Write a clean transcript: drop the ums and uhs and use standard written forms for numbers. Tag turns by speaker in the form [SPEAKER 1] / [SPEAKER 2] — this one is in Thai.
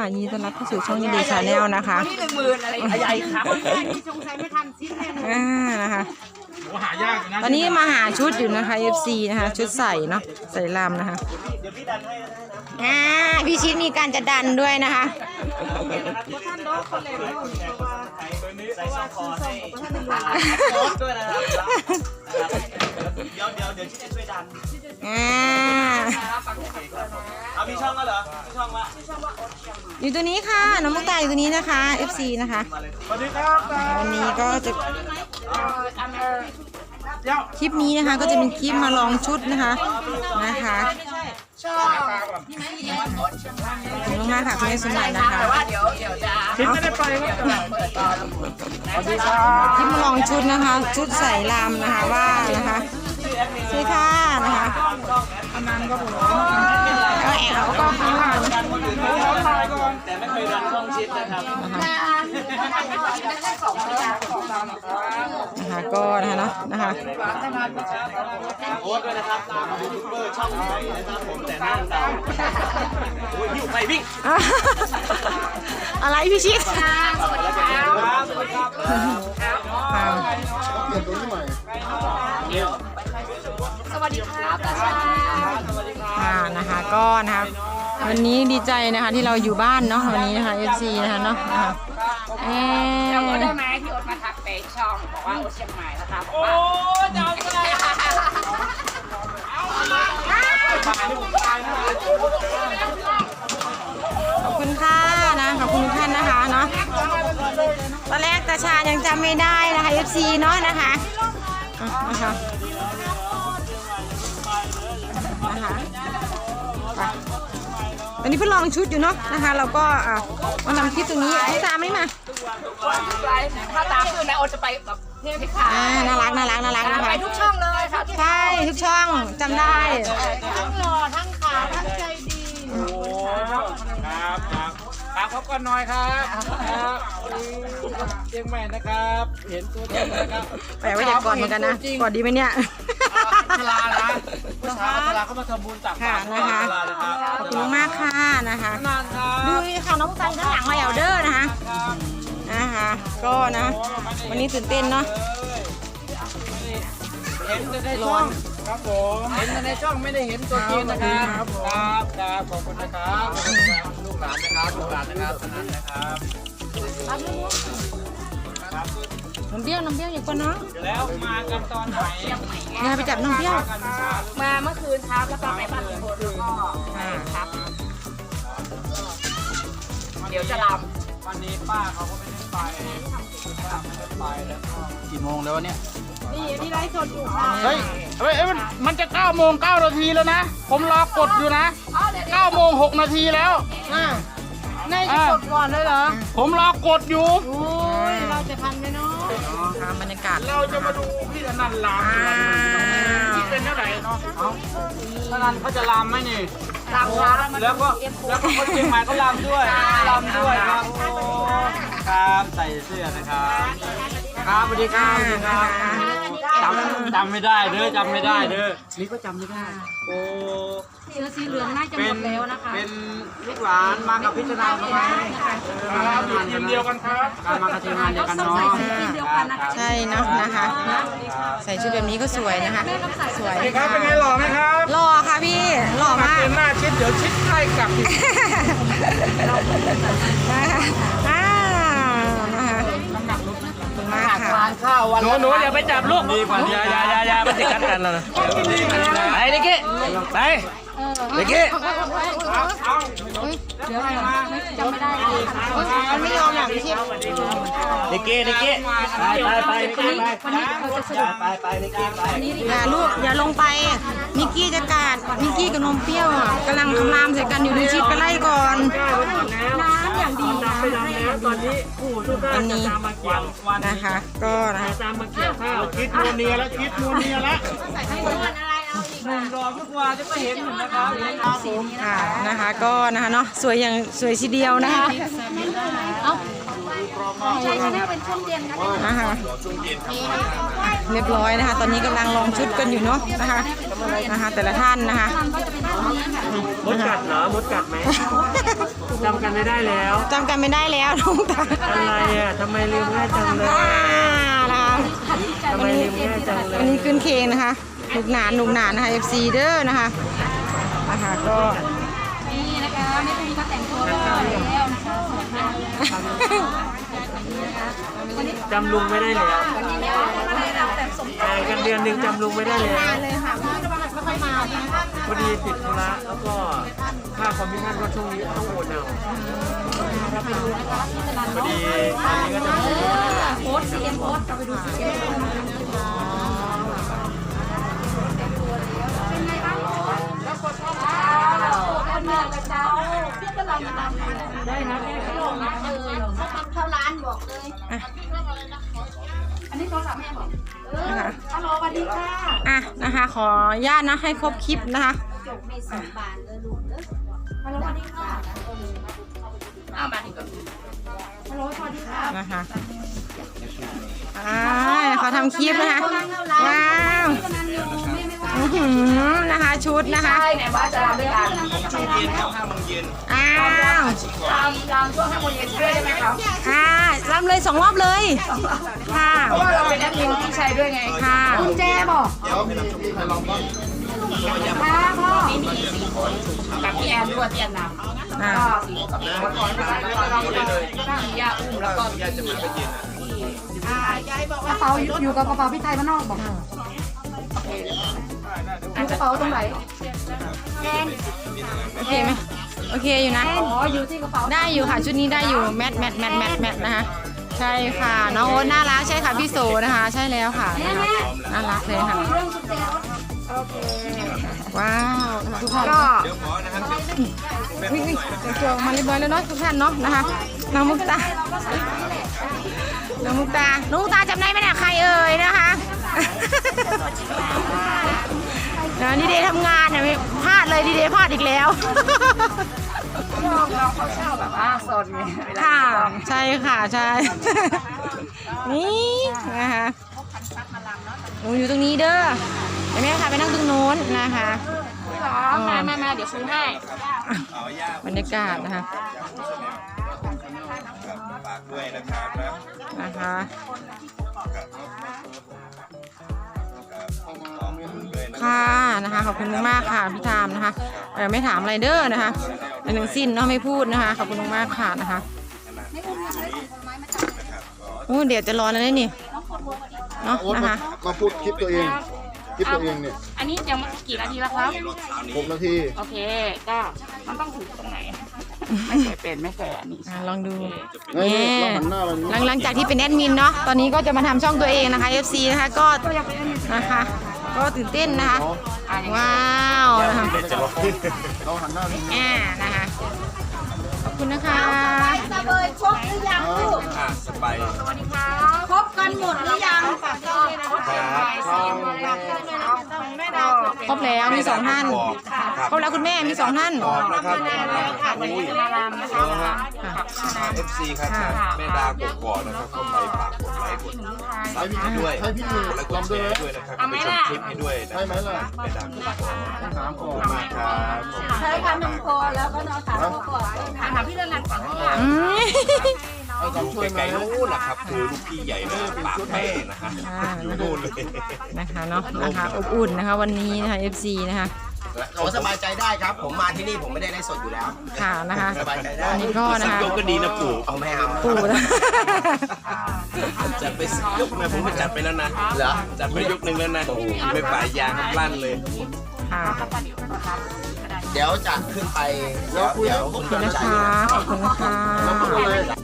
[SPEAKER 1] ยินดีต้อนรับเข้าสู่ช่องยินดีชาแนลนะคะ
[SPEAKER 2] นี่10,000อะไรใหญ่ครับที่สงสัยไม่ทันซิปแน่
[SPEAKER 1] นะคะ
[SPEAKER 3] หายากนะ
[SPEAKER 1] ตอนนี้มาหาชุดอยู่นะคะ FC นะคะชุดใส่เนาะใส่ลำนะคะพี่ชิดมีการจะดันด้วยนะคะ
[SPEAKER 2] ท่านโดนคนเล่นใส่ช่องคอให้ด้วยนะครับเดี๋ยวชิดช่วยดันเอามีช่องแล้วเหรอมีช่องละ
[SPEAKER 1] อยู่ตัวนี้ค่ะน้องมุกตาอยู่ตัวนี้นะคะ FC นะคะ
[SPEAKER 3] สวัสดีครับ
[SPEAKER 1] วันนี้ก็จะคลิปนี้นะคะก็จะเป็นคลิปมาลองชุดนะคะขอบคุณมากค่ะคุณแม่สมบัตินะคะ
[SPEAKER 3] คิดไม่ได้ไปสวัสดีครับ
[SPEAKER 1] คลิปมาลองชุดนะคะชุดใส่ลำนะคะว่านะคะสวยค่ะนะคะก็แอบก็ข้างหลัง
[SPEAKER 2] แต่ไม่เคยดันช่องชิดนะครับ
[SPEAKER 1] ก็นะคะ
[SPEAKER 2] โอ๊ตด้วยนะครับตามยูทูบเบอร์ช่องใหญ่นะครับผมแต่หน้าดาวโอ้ยหิวไปวิ่ง
[SPEAKER 1] อะไรพี่ชิด
[SPEAKER 2] สวัสดีครับสวัสดีครับตาชา
[SPEAKER 1] นะคะก็นะคะวันนี้ดีใจนะคะที่เราอยู่บ้านเนาะวันนี้นะคะ FC นะคะเนาะ
[SPEAKER 2] จำได้ไหมที่โอ๊ตมาทักไปช่องบอกว่าโอ๊ตเชียงใหม่นะครับโอ้จำได้
[SPEAKER 1] ขอบคุณค่ะนะขอบคุณท่านนะคะเนาะตอนแรกตาชายังจำไม่ได้นะคะ FC เนาะนะคะตอนนี้เพิ่งลองชุดอยู่เนาะนะคะเราก็มาทำคลิปตรงนี้ให้ตามไหมมา
[SPEAKER 2] ถ้าตามคือนะโอจะไปแบบเทพค่ะ
[SPEAKER 1] น่ารักนะคะ
[SPEAKER 2] ไปทุกช่องเลยค่ะ
[SPEAKER 1] ใช่ทุกช่องจำได้
[SPEAKER 2] ทั้งหล่อทั้งขาวทั้งใจดี
[SPEAKER 3] โอ้ครับพบกันหน่อยครับเชียงใหม่นะครับเห็นตัวจริงนะครับ
[SPEAKER 1] แปลว่าอยากกอดเหมือนกันนะกอดดีไหมเนี่ย
[SPEAKER 3] ชลานะชลาเขามาทำบุญตักบาตร
[SPEAKER 1] นะคะขอบคุณมากค่ะนะคะดูค่ะน้องตันข้างหลังมาแอลเดอร์นะคะก็นะวันนี้ตื่นเต้นเนาะ
[SPEAKER 3] เห็นในช่องครับผมเห็นในช่องไม่ได้เห็นตัวจริงนะครับครับขอบคุณนะครับลูกหลานนะครับสนั่นนะครับ
[SPEAKER 1] น้ำเบี้ยวอย่ากลัวเนาะ
[SPEAKER 3] แล้วมากันตอนไหน
[SPEAKER 1] อย่าไปจับน้ำเบี้ยว
[SPEAKER 2] มาเมื่อคืนครับแล้วก็ไปบ้านลุงพลแล้วก็ครับเดี๋ยวจะลำ
[SPEAKER 3] วันนี้ป้าเขาก็ไม่ได้ไปป้าไม่ได้ไปแล้วกี่โมงแล้วเนี่ย
[SPEAKER 2] นี่ไลฟ์สดอยู่
[SPEAKER 3] เฮ้ยมันจะ9 โมง 9 นาทีแล้วนะผมรอกดอยู่นะ9 โมง 6 นาทีแล้ว
[SPEAKER 2] นายจะกดก่อนเลยเหรอ
[SPEAKER 3] ผมรอกดอยู่
[SPEAKER 2] โอ้ยเราจะทันไหมเนาะ
[SPEAKER 1] บรรยากาศ
[SPEAKER 3] เราจะมาดูพี่อนันต์ลามที่เป็นเท่าไหร่เนาะอนันต์เขาจะลามไหมนี่
[SPEAKER 2] ลาม
[SPEAKER 3] แล้วก็คนเชียงใหม่เขาลามด้วยครับครับใส่เสื้อนะครับครับสวัสดีครับจำไม่ได้เด้อนี่ก็จำไม่ได้โอ้
[SPEAKER 2] สีเหลืองน่าจะหมดแล้วนะคะ
[SPEAKER 3] เป็นลูกหลานมากับพิจารณาครับทีมเดียวกันครับมากับทีมงานเดียวกันเนาะ
[SPEAKER 1] ใช่เนาะนะคะใส่ชุดแบบนี้ก็สวยนะคะสวย
[SPEAKER 3] ครับเป็นไงหล่อไหมครับ
[SPEAKER 1] หล่อค่ะพี่หล่อมาก
[SPEAKER 3] หน้าชิดเดี๋ยวชิดใกล้กลับ
[SPEAKER 1] ทานข้าววัน
[SPEAKER 3] หนูอย่าไปจับลูกดีกว่าอย่าไปติดกันแล้วนะไปนิกกี้ไปนิกกี้
[SPEAKER 1] เดี๋ยวจำไม่ได้มันไม่ยอมหลังชิป
[SPEAKER 3] นิกกี้ไปนิกกี้ไป
[SPEAKER 1] อย่าลูกอย่าลงไปนิกกี้จะกาดนิกกี้กับนมเปรี้ยวกำลังคำรามใส่กันอยู่ดูชิปไปไล่ก่อนน้ำอย่างดี
[SPEAKER 3] ตอนนี้ผู้ทุกท่านจะตามมาเกี่ยว
[SPEAKER 1] นะคะก็นะ
[SPEAKER 3] ตามมาเกี่ยวข้าวคิดโมเนียแล้วหนุ่มรอทุกวันจะไม่เห็นเหมือนนะครับ
[SPEAKER 1] ค่ะนะคะก็นะคะเนาะสวยอย่างสวยทีเดียวนะคะ
[SPEAKER 2] ใช่เป็นช่วงเย็น
[SPEAKER 1] นะคะเรียบร้อยนะคะตอนนี้กำลังลองชุดกันอยู่เนาะนะคะแต่ละท่านนะคะ
[SPEAKER 3] มดกัดเหรอมดกัดไหมจำกันไม่ได้แล้ว
[SPEAKER 1] จำกันไม่ได้แล้วน้องตา
[SPEAKER 3] อะไรอ่ะทำไมลืมง่ายจังเลย
[SPEAKER 1] นะคะ
[SPEAKER 3] ทำไมลืมง่ายจังเลย
[SPEAKER 1] วันนี้ขึ้นเคงนะคะหนุกหนานนะคะ FC เด้อนะคะก็
[SPEAKER 4] นี่นะคะไม่ต้องมีเขาแต่งตัวแล้วนะคะ
[SPEAKER 3] จำลุงไม่ได้แล้วกันเดือนหนึ่งจำลุงไม่ได้แล้ว
[SPEAKER 1] เลยค่ะไม่ค่อยมา
[SPEAKER 3] พอดีติดธุระแล้วก็ค่าคอมมิชชั่นก็ช่วงนี้ต้องโอนเอาพอดีตอนนี้ก็จะ
[SPEAKER 4] โพสซีเอ็มโพสเราไปดูซีเอ็มเป็นไงบ้างแล้วกดเข้ามากันมากระเจ้าพี่ก็ลองมาทำได้นะพี่ก็ลองมาเลยเข้าร้านบอกเลยอันนี้โทรศัพท์แม่บอกฮัลโหลสวัสดีค่ะ
[SPEAKER 1] นะคะขออนุญาตนะให้ครบคลิปนะคะ
[SPEAKER 4] จบใน2 บาทเลยลูกฮัลโหลสวัสดีค่ะเอามาดีกว่าฮัลโหลสวัสดีค่ะ
[SPEAKER 1] นะคะเขาทำคลิปนะคะว้าวนะคะชุดนะคะ
[SPEAKER 4] ใช่ไหนว่าจะรำด้วยกัน
[SPEAKER 2] ช่วงเย็นครับ5 โมงเย็น
[SPEAKER 1] อ้าว
[SPEAKER 4] รำช่วง5 โมงเย็นด้วยได้ไหมครับ
[SPEAKER 1] รำเลย2 รอบเลยค่ะ
[SPEAKER 4] เพราะว่าเราเป็นนักเรียนพี่ชัยด้วยไง
[SPEAKER 1] ค่ะ
[SPEAKER 4] คุณแจบอก
[SPEAKER 2] เดี๋ยวให้น้ำชมพู่ลองบ้าง
[SPEAKER 4] ค่ะพ่อมี4 คนกับพี่แอนด้วยพี่แอนนำก็4 คนกับพี่คนก่อนเราตั้งย่าอุ้มแล้วก็
[SPEAKER 2] ญาติจะมาเป็นเย็นนะ
[SPEAKER 4] กระเป๋าอยู่กับกระเป๋าพี่ไทยบ้านนอกบอกอยู่กระเป๋าตรงไหนแอน
[SPEAKER 1] โอเคไหมโอเคอยู่นะ
[SPEAKER 4] อ๋ออยู่ที่กระเป๋า
[SPEAKER 1] ได้อยู่ค่ะชุดนี้ได้อยู่แมทนะคะใช่ค่ะน้องโอ๊ตน่ารักใช่ค่ะพี่โสนะคะใช่แล้วค่ะน่ารักเลยค่ะ
[SPEAKER 4] เรื่องชุดเจรถโอเค
[SPEAKER 1] ว้าวทุกท่าน
[SPEAKER 4] ก็
[SPEAKER 2] เดี๋ยวขอนะครับ
[SPEAKER 1] วิ่งเดี๋ยวตัวมาเรียบร้อยแล้วเนาะทุกท่านเนาะนะคะน้องมุกตาน้องมุกตาจำได้ไหมเนี่ยใครเอ่ยนะคะดีเดย์ทำงานเนี่ยไม่พลาดเลยดีเดย์พลาดอีกแล้ว
[SPEAKER 4] เราเขาเช่าแบบสดไง
[SPEAKER 1] ค่ะใช่ค่ะใช่นี่นะคะหนูอยู่ตรงนี้เด้อเดี๋ยวแม่ค่ะไปนั่งตรงโน้นนะคะ
[SPEAKER 4] มาเดี๋ยวซื้อให้
[SPEAKER 1] บรรยากาศนะคะ
[SPEAKER 2] ฝากด้วยนะครับ
[SPEAKER 1] นะคะค่ะนะคะขอบคุณมากๆค่ะพี่ทามนะคะไม่ถามอะไรเด้อนะคะเป็นทั้งสิ้นเนาะไม่พูดนะคะขอบคุณมากๆค่ะนะคะเดี๋ยวจะรอแล้วนี่เนาะนะคะ
[SPEAKER 5] มาพูดคลิปตัวเองเนี่ย
[SPEAKER 4] อันนี้ยังกี่นาทีแล้วครับ
[SPEAKER 5] 6 นาที
[SPEAKER 4] โอเคก็มันต้องถือตรงไหนไม่เคยเป็นไม่เคยอันนี้
[SPEAKER 1] ลองดู
[SPEAKER 5] นี่เราหันหน้าเรานี้
[SPEAKER 1] หลังจากที่เป็นแอดมินเนาะตอนนี้ก็จะมาทำช่องตัวเองนะคะ FC นะคะก็นะคะก็ตื่นเต้นนะคะว้าวนะคะ
[SPEAKER 5] เราหันหน้านี้
[SPEAKER 1] นะคะขอบคุณนะคะ
[SPEAKER 4] เลยครบหรือยังลูก
[SPEAKER 2] สบาย
[SPEAKER 4] ครบกันหมดหรือยังฝากช่องด้วยนะ
[SPEAKER 1] ครบแล้วมี2 ท่านครบแล้วคุณแม่มี2 ท่าน
[SPEAKER 2] ขอบนะครับ
[SPEAKER 4] วันนี้จะมารำนะคะ
[SPEAKER 2] FC ครับแม่ดากกอกนะครับเข้าไปฝากกดไลค์กดซับให้ด้วย
[SPEAKER 5] ให้พี่
[SPEAKER 2] กดไลค์กดแชร์ด้วยนะครับไปชมคลิปให้ด้วยนะ
[SPEAKER 5] ใช่ไหมล่ะ
[SPEAKER 2] แม่ดากกกอก
[SPEAKER 5] ถามก่อน
[SPEAKER 2] มากครับ
[SPEAKER 4] ใช้การนำคอแล้วก็นอนขาก่อนถามพี่เรื่องงานก่อนว่า
[SPEAKER 5] ให้คำช่วยไหม
[SPEAKER 2] ไกลๆนู้นนะครับคือลูกพี่ใหญ่เลยปากแม่นะฮะอยู่นู่นเลย
[SPEAKER 1] นะคะเนาะนะคะอบอุ่นนะคะวันนี้นะคะ FC นะคะ
[SPEAKER 6] โอ้สบายใจได้ครับ ผมมาที่นี่ผมไม่ได้ไลฟ์สดอยู่แล้ว
[SPEAKER 1] ค่ะนะคะ
[SPEAKER 6] สบายใจได้
[SPEAKER 1] วันนี้ก็นะ
[SPEAKER 2] สัก
[SPEAKER 1] คะ
[SPEAKER 2] ยกก็ดีนะปู่
[SPEAKER 6] เอาไม่เอา
[SPEAKER 1] ปู่นะ
[SPEAKER 2] จัดไปสักยกนะผมไปจัดไปแล้วนะ
[SPEAKER 6] เหรอ
[SPEAKER 2] จัดไปยกหนึ่งแล้วนะไม่ป่ายยางลั่นเลย
[SPEAKER 1] ค่ะ
[SPEAKER 6] เดี๋ยวจะขึ้นไป
[SPEAKER 5] เราคุย
[SPEAKER 6] เดี๋ยว
[SPEAKER 5] แล้ว
[SPEAKER 6] คุณ
[SPEAKER 1] ขอบคุณนะคะขอบคุณนะคะ